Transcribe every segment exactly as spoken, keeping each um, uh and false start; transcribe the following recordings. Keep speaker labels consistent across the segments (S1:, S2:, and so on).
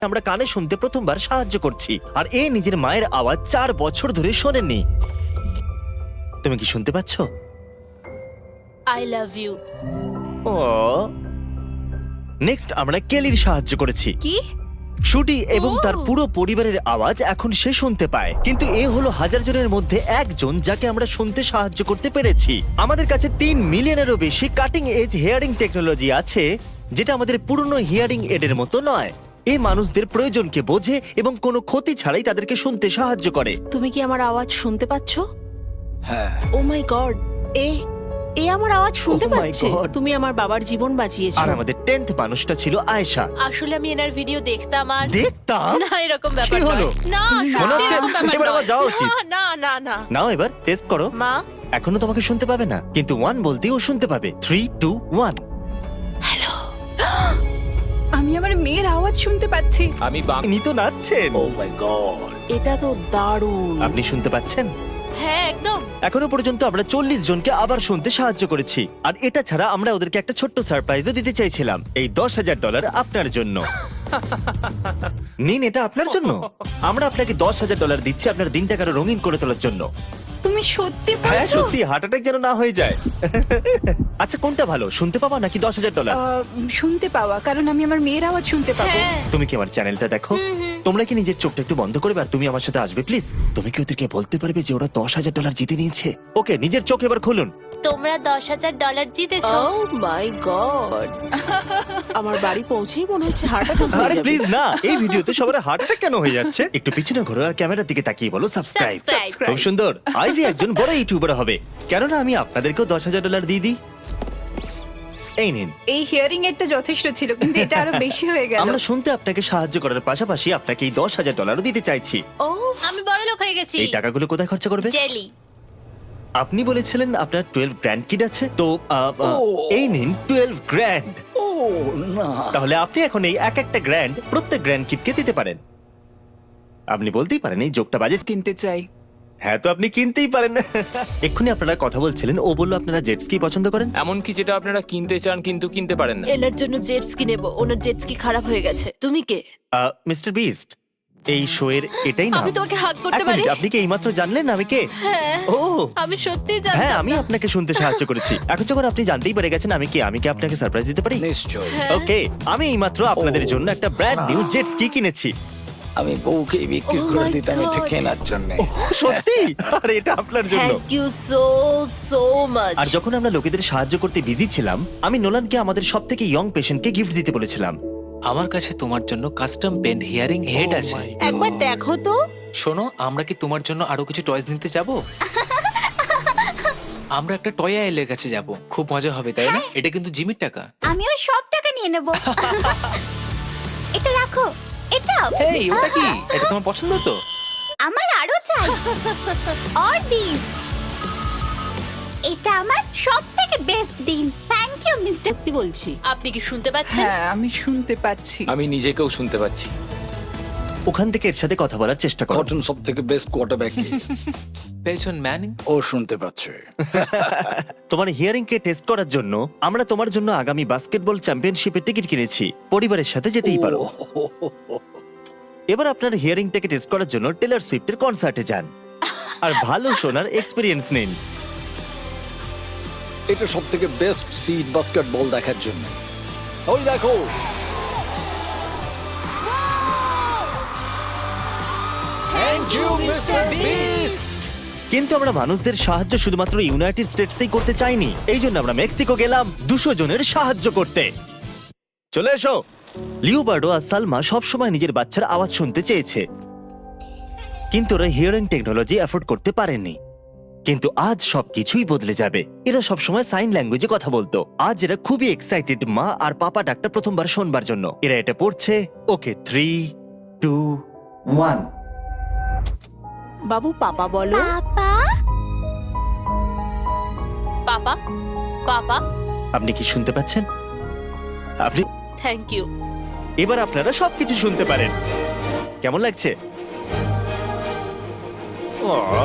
S1: আমরা কানে শুনতে প্রথমবার সাহায্য করছি, আর এ নিজের মায়ের আওয়াজ চার বছর ধরে শোনেননি। তুমি কি শুনতে পাচ্ছ?
S2: I love you.
S1: Oh, next আমরা কেলির সাহায্য করেছি।
S2: কি?
S1: শুটি এবং
S2: ও!
S1: তার পুরো পরিবারের আওয়াজ এখন সে শুনতে পায়, কিন্তু এ হলো হাজার জনের মধ্যে একজন যাকে আমরা শুনতে সাহায্য করতে পেরেছি। আমাদের কাছে তিন মিলিয়নেরও বেশি কাটিং এজ হিয়ারিং টেকনোলজি আছে, যেটা আমাদের পুরনো হিয়ারিং এডের মতো নয়। এই মানুষদের প্রয়োজনকে বোঝে এবং কোনো ক্ষতি ছাড়াই তাদেরকে শুনতে সাহায্য করে।
S2: তুমি কি আমার আওয়াজ শুনতে পাচ্ছ?
S3: হ্যাঁ,
S2: ও মাই গড, এ এ আমার আওয়াজ শুনতে
S1: Oh my
S2: পাচ্ছে।
S1: God!
S2: তুমি আমার বাবার জীবন বাঁচিয়েছো।
S1: আর আমাদের টেন্থ মানুষটা ছিল আয়েশা।
S4: আসলে আমি এনার ভিডিও দেখতাম আর
S1: দেখতাম।
S4: না এরকম ব্যাপার
S1: কি হলো?
S4: নয়। না
S1: মনে
S4: সত্যি
S1: হচ্ছে
S4: এরকম ব্যাপার
S1: এবার আমার
S4: নয়।
S1: যাওয়া উচিত।
S4: না, না না না
S1: নাও এবার টেস্ট করো।
S4: মা
S1: এখনো তোমাকে শুনতে পাবে না, কিন্তু ওয়ান বলতেই ও শুনতে পাবে। Three two one.
S5: আমি আমার মেয়ের আওয়াজ শুনতে পাচ্ছি।
S6: আমি বাং-
S1: ইনি তো নাচছেন।
S3: ও মাই গড।
S2: এটা তো দারুণ।
S1: আপনি শুনতে পাচ্ছেন?
S4: হ্যাঁ একদম।
S1: এখনো পর্যন্ত আমরা চল্লিশ জনকে আবার শুনতে সাহায্য করেছি, আর এটা ছাড়া আমরা ওদেরকে একটা ছোট্ট সারপ্রাইজও দিতে চাইছিলাম। এই দশ হাজার ডলার আপনার জন্য। নিন, এটা আপনার জন্য। আমরা আপনাকে দশ হাজার ডলার দিচ্ছি আপনার দিনটাকে আরো রঙিন করে তোলার জন্য।
S5: তুমি সত্যি
S1: হ্যাঁ
S5: বলছো?
S1: সত্যি, হার্ট অ্যাটাক যেন না হয়ে যায়। আচ্ছা, কোনটা ভালো, শুনতে পাওয়া নাকি দশ হাজার ডলার?
S5: আহ, শুনতে পাওয়া, কারণ আমি আমার মেয়ের আওয়াজ শুনতে পাবো।
S4: হ্যাঁ
S1: তুমি কি আমার চ্যানেলটা দেখো? তোমরা কি নিজের চোখটা একটু বন্ধ করবে আর তুমি আমার সাথে আসবে প্লিজ? তুমি কি ওদেরকে বলতে পারবে যে ওরা দশ হাজার ডলার জিতে নিয়েছে? ওকে, নিজের চোখ এবার খুলুন।
S4: তোমরা দশ হাজার ডলার জিতেছো।
S2: ও মাই গড, আমার বাড়ি পৌঁছেই মনে হচ্ছে হার্ট অ্যাটাক হয়ে
S1: আরে
S2: যাবে।
S1: প্লিজ না, এই ভিডিওতে সবার হার্ট অ্যাটাক কেন হয়ে যাচ্ছে? একটু পিছনে ঘোরো আর ক্যামেরার দিকে তাকিয়ে বলো সাবস্ক্রাইব।
S4: Subscribe.
S1: খুব সুন্দর। আইভি একজন বড় ইউটিউবার হবে, কেননা আমি আপনাদেরকেও দশ হাজার ডলার দিয়ে দিই। এই নিন।
S5: এই হিয়ারিং এরটা যথেষ্ট ছিল, কিন্তু এটা আরো বেশি হয়ে গেল।
S1: আমরা শুনতে আপনাকে সাহায্য করার পাশাপাশি আপনাকে এই দশ হাজার ডলারও দিতে চাইছি।
S4: ও আমি বড় লোক হয়ে গেছি।
S1: এই টাকাগুলো কোথায় খরচা করবে?
S4: জেলি।
S1: আপনি বলেছিলেন আপনার টুয়েলভ গ্র্যান্ড কিড আছে, তো আহ, আহ,
S3: ও।
S1: এই নিন টুয়েলভ গ্র্যান্ড।
S3: ও না,
S1: তাহলে আপনি এখন এই এক একটা গ্র্যান্ড প্রত্যেক গ্র্যান্ড কিডকে দিতে পারেন। আপনি বলতেই পারেন এই যোগটা বাজে।
S5: কিনতে চাই।
S1: হ্যাঁ, তো আপনি কিনতেই পারেন। এক্ষুনি আপনারা কথা বলছিলেন, ও বললো আপনারা জেট স্কি পছন্দ করেন।
S6: এমনকি যেটা আপনারা কিনতে চান কিন্তু কিনতে পারেন না।
S2: এনার জন্য জেট স্কি নেব, ওনার জেট স্কি খারাপ হয়ে গেছে। তুমি কে?
S1: মিস্টার বিস্ট, এই শো এর এটাই না।
S2: আমি তোমাকে হাগ করতে পারি?
S1: আপনি কি এইমাত্র জানলেন আমি কে?
S2: হ্যাঁ,
S1: ও
S2: আমি সত্যি
S1: হ্যাঁ,
S2: জানতাম
S1: আমি
S2: না।
S1: আপনাকে শুনতে সাহায্য করেছি। এখন যখন আপনি জানতেই পেরে গেছেন আমি কে, আমি কি আপনাকে সারপ্রাইজ দিতে পারি?
S3: নিশ্চয়।
S1: ওকে, আমি এইমাত্র আপনাদের জন্য একটা ব্র্যান্ড নিউ জেট স্কি কিনেছি।
S3: আমি বউকে বিক্রি
S2: Oh
S3: করে
S2: my
S3: দিতাম এটা
S2: God.
S3: কেনার জন্য।
S1: সত্যি? আর এটা আপনার জন্য।
S2: Thank you so so much.
S1: আর যখন আমরা লোকেদের সাহায্য করতে বিজি ছিলাম, আমি নোলানকে আমাদের সব থেকে ইয়ং পেশেন্টকে গিফট দিতে বলেছিলাম।
S7: আমার কাছে তোমার জন্য কাস্টম পেন্ট হিয়ারিং হেড আছে।
S2: একবার দেখো তো।
S7: শোনো, আমরা কি তোমার জন্য আরো কিছু টয়স নিতে যাব? আমরা একটা টয় আইলের কাছে যাব, খুব মজা হবে, তাই না? এটা কিন্তু জিমির টাকা।
S8: আমি ওর সব টাকা নিয়ে নেব। এটা রাখো, এটা
S7: এই ওটা কি? এটা তোমার পছন্দ তো?
S8: আমার আরো চাই। আর দিস, এটা আমার সব থেকে বেস্ট দিন। Thank you mister.
S2: সত্যি বলছি।
S4: আপনি কি শুনতে পাচ্ছেন?
S5: হ্যাঁ, আমি শুনতে পাচ্ছি।
S6: আমি নিজেকেও শুনতে পাচ্ছি।
S1: ওখান থেকে এর সাথে কথা বলার চেষ্টা করো।
S3: কটন সব থেকে বেস্ট কোয়ার্টারব্যাক।
S7: পেছন ম্যানিং।
S3: ও শুনতে পাচ্ছে।
S1: তোমার হিয়ারিং কে টেস্ট করার জন্য আমরা তোমার জন্য আগামী বাস্কেটবল চ্যাম্পিয়নশিপের টিকিট কিনেছি। পরিবারের সাথে যেতেই পারো। এবার আপনার হিয়ারিংটাকে টেস্ট করার জন্য টেলর সুইফটের কনসার্টে যান আর ভালো শোনার এক্সপেরিয়েন্স নিন।
S3: এটা সব থেকে বেস্ট সিট বাস্কেটবল দেখার জন্য। ওই দেখো, থ্যাংক ইউ মিস্টার বিস্ট।
S1: কিন্তু আমরা মানুষদের সাহায্য শুধুমাত্র ইউনাইটেড স্টেটসেই করতে চাইনি, এই জন্য আমরা মেক্সিকো গেলাম দুশো জনের সাহায্য করতে। চলে এসো। লিওবার্ডো আর সালমা সবসময় নিজের বাচ্চার আওয়াজ শুনতে চেয়েছে, কিন্তু ওরা হিয়ারিং টেকনোলজি অ্যাফোর্ড করতে পারেনি। কিন্তু আজ সবকিছুই বদলে যাবে। এরা সবসময় সাইন ল্যাঙ্গুয়েজে কথা বলতো, আজ এরা খুবই এক্সাইটেড মা আর পাপা ডাকটা প্রথমবার শোনবার জন্য। এরা এটা পড়ছে। Okay, three two one.
S2: বাবু পাপা বলো।
S8: পাপা,
S4: পাপা পাপা
S1: আপনি কি শুনতে পাচ্ছেন? আপনি
S4: থ্যাংক ইউ।
S1: এবার আপনারা সবকিছু শুনতে পারেন। কেমন লাগছে? আহ।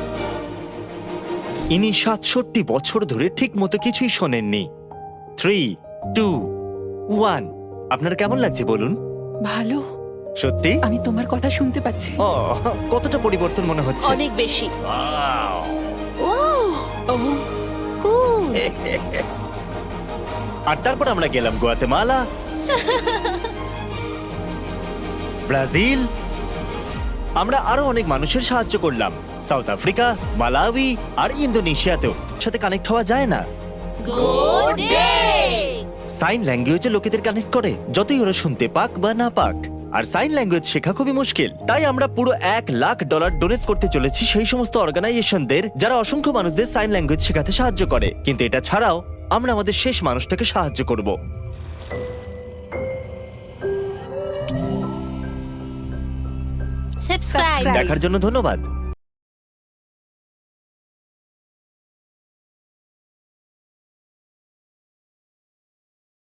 S1: ইনি সাতষট্টি বছর ধরে ঠিক মতো কিছুই শোনেননি। Three two one. আপনার কেমন লাগছে বলুন?
S5: ভালো।
S1: সত্যি
S2: আমি তোমার কথা শুনতে পাচ্ছি।
S1: ও, কতটা পরিবর্তন মনে হচ্ছে?
S4: অনেক বেশি।
S2: ও
S8: কুল।
S1: আর তারপর আমরা গেলাম গুয়াতেমালা, ব্রাজিল। আমরা আরো অনেক মানুষের সাহায্য করলাম, সাউথ আফ্রিকা, মালাউই আর ইন্দোনেশিয়াতেও। সাথে কানেক্ট হওয়া যায় না।
S4: Good day.
S1: সাইন ল্যাঙ্গুয়েজে লোকেদের কানেক্ট করে, যতই ওরা শুনতে পাক বা না পাক। আর সাইন ল্যাঙ্গুয়েজ শেখা খুবই মুশকিল, তাই আমরা পুরো এক লাখ ডলার ডোনেট করতে চলেছি সেই সমস্ত অর্গানাইজেশনদের যারা অসংখ্য মানুষদের সাইন ল্যাঙ্গুয়েজ শেখাতে সাহায্য করে। কিন্তু এটা ছাড়াও আমরা আমাদের শেষ মানুষটাকে সাহায্য করব।
S8: সাবস্ক্রাইব।
S1: দেখার জন্য ধন্যবাদ।